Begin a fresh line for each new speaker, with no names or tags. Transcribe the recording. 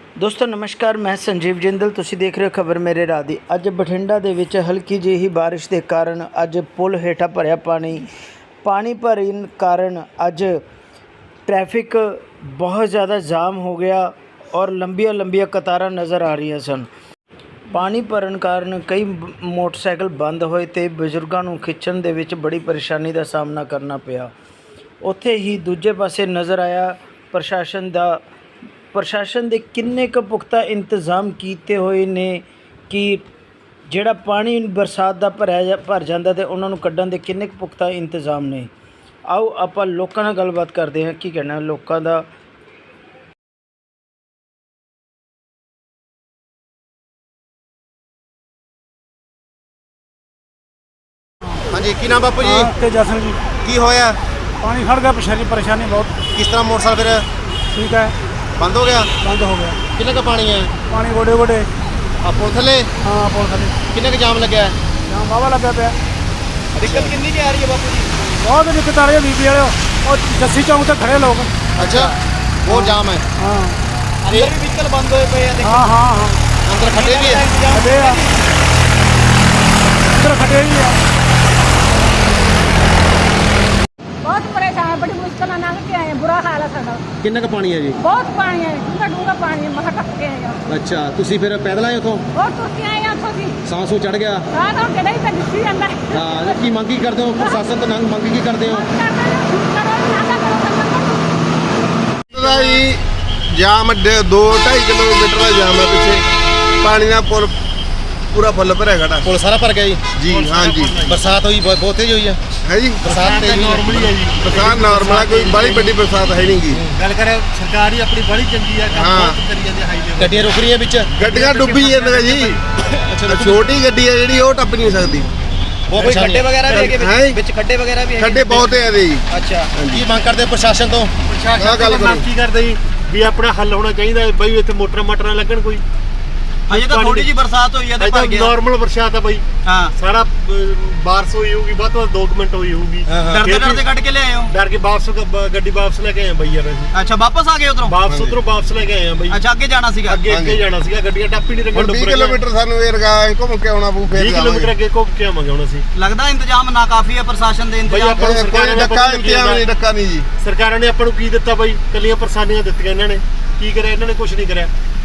ਦੋਸਤੋ ਨਮਸਕਾਰ, ਮੈਂ ਸੰਜੀਵ ਜਿੰਦਲ। ਤੁਸੀਂ ਦੇਖ ਰਹੇ ਹੋ ਖਬਰ ਮੇਰੇ ਰਾਹ ਦੀ। ਅੱਜ ਬਠਿੰਡਾ ਦੇ ਵਿੱਚ ਹਲਕੀ ਜਿਹੀ ਬਾਰਿਸ਼ ਦੇ ਕਾਰਨ ਅੱਜ ਪੁਲ ਹੇਠਾਂ ਭਰਿਆ ਪਾਣੀ ਭਰਨ ਕਾਰਨ ਅੱਜ ट्रैफिक बहुत ज़्यादा जाम हो गया और लंबिया कतारां नज़र आ रही सन। पानी भरन कारण कई मोटरसाइकिल बंद होए ते बजुर्गों को खिंचण दे विच बड़ी परेशानी का सामना करना पिया। उत्थे ही दूजे पासे नज़र आया प्रशासन दे किन्ने क पुख्ता इंतजाम कीते हुए ने कि जिहड़ा पानी बरसात का भर जाता तो उन्होंने कड्ढण दे किन्ने क पुख्ता इंतजाम ने। आओ आपां लोकां नाल गलबात करते हैं की कहना लोकां दा।
हाँ जी, की नाम बापू जी?
तेजा सिंह जी।
की होया?
पानी खड़ गया, परेशानी बहुत।
किस तरह मोटरसाइकिल फिर
ठीक है,
बंद हो गया?
बंद हो गया।
किन्ने का पानी है?
पानी गोडे गोडे।
पुल थले?
हाँ, पुल थले।
किन्ने का जाम लगे है?
जाम बाबा लगा पे।
दिक्कत कितनी की आ रही है बापू जी?
बहुत दिक्कत आ रही है बीपी वाले और जस्सी चौक तक खड़े लोग।
अच्छा, बहुत जाम है।
हाँ,
अंदर भी व्हीकल बंद होए पे हैं।
हाँ हाँ हाँ,
अंदर खड्डे भी है?
खड्डे हैं, अंदर खड्डे ही है।
बहुत परेशान है, बड़ी मुश्किल लंघ के आए हैं, बुरा हाल है साਡਾ।
किन्ने का पानी है जी?
बहुत पानी है, डूंगा पानी है, महा टप के आए हैं।
अच्छा, तुसी फिर पैदल आए उथों?
बहुत तुर के आए हैं ਉੱਥੋਂ ਦੀ।
सांस चढ़ गया?
ਸਾਹ ਤਾਂ ਕਿਹੜਾ ਹੀ ਤਾਂ ਦਿੱਤੀ ਜਾਂਦਾ ਹੈ।
हाँ, की मंग की करते हो प्रशासन तो मंग की करते हो?
जाम 2-2.5 किलोमीटर का जाम है पिछे। पानी का पुल पूरा फुल भर खड़ा।
पुल सारा भर गया जी?
जी हाँ जी।
बरसात हुई बहुत तेज हुई है?
है जी,
बरसात तेज नॉर्मली है जी?
बरसात नॉर्मल है, कोई बड़ी बड़ी बरसात है नहीं की।
गल करें सरकार ही अपनी बड़ी चंगी है, काम
हाँ।
बहुत करी जाती है हाईवे
गड्डियां रुक रही है बिच?
गड्डियां डुब्बी ਜਾਂਦੀਆਂ जी।
अच्छा,
छोटी गड्डी है जी, वो टप नहीं सकती।
वो कोई खड्डे वगैरह भी है
हैं?
बिच? खड्डे वगैरह भी है?
खड्डे बहुत है जी।
अच्छा, की मांग करते हो प्रशासन तो?
ਆਹ ਗੱਲ
प्रशासन
ਕਰੋ।
की करते जी भी अपना हल होना चाहिए बई इतने मोटर लगन कोई।
अजे तो थोड़ी जी बरसात हुई है तो भर गया।
नॉर्मल बरसात है बई,
हाँ,
सारा बारिश हुई होगी, बहुत 2 मिनट हुई होगी।
डरते कट के ले आए हो?
डर के वापस गड्डी वापस लेके आए भई यार।
अच्छा, वापस आ गए उधरों?
वापस उधरों वापस लेके आए हैं भई।
अच्छा, आगे जाना सीगा?
ਅੱਗੇ ਜਾਣਾ ਸੀਗਾ, ਗੱਡੀਆਂ ਟੱਪ ਹੀ ਨਹੀਂ
ਹੁਣ 20 ਕਿਲੋਮੀਟਰ ਸਾਨੂੰ ਇਹ ਰਗਾ ਘੁੰਮ ਕੇ ਆਉਣਾ ਪਊ ਫਿਰ
20 ਕਿਲੋਮੀਟਰ ਅੱਗੇ ਘੁੰਮ ਕੇ ਆਵਾਂਗੇ ਹੁਣ ਅਸੀਂ।
लगदा इंतजाम ना काफी है प्रशासन दे
ਬਈ
इंतजाम?
ਆਪਾਂ ਨੂੰ ਸਰਕਾਰ
ਕੋਈ
ਨੇ
ਡੱਕਾ ਇੰਤਜ਼ਾਮ ਨਹੀਂ, ਡੱਕਾ ਨਹੀਂ ਜੀ।
ਸਰਕਾਰਾਂ ਨੇ ਆਪਾਂ ਨੂੰ ਕੀ ਦਿੱਤਾ ਬਈ? ਕੱਲੀਆਂ ਪਰੇਸ਼ਾਨੀਆਂ ਦਿੱਤੀਆਂ ਇਹਨਾਂ ਨੇ। ਕੀ ਕਰਿਆ ਇਹਨਾਂ ਨੇ? ਕੁਝ ਨਹੀਂ ਕਰਿਆ।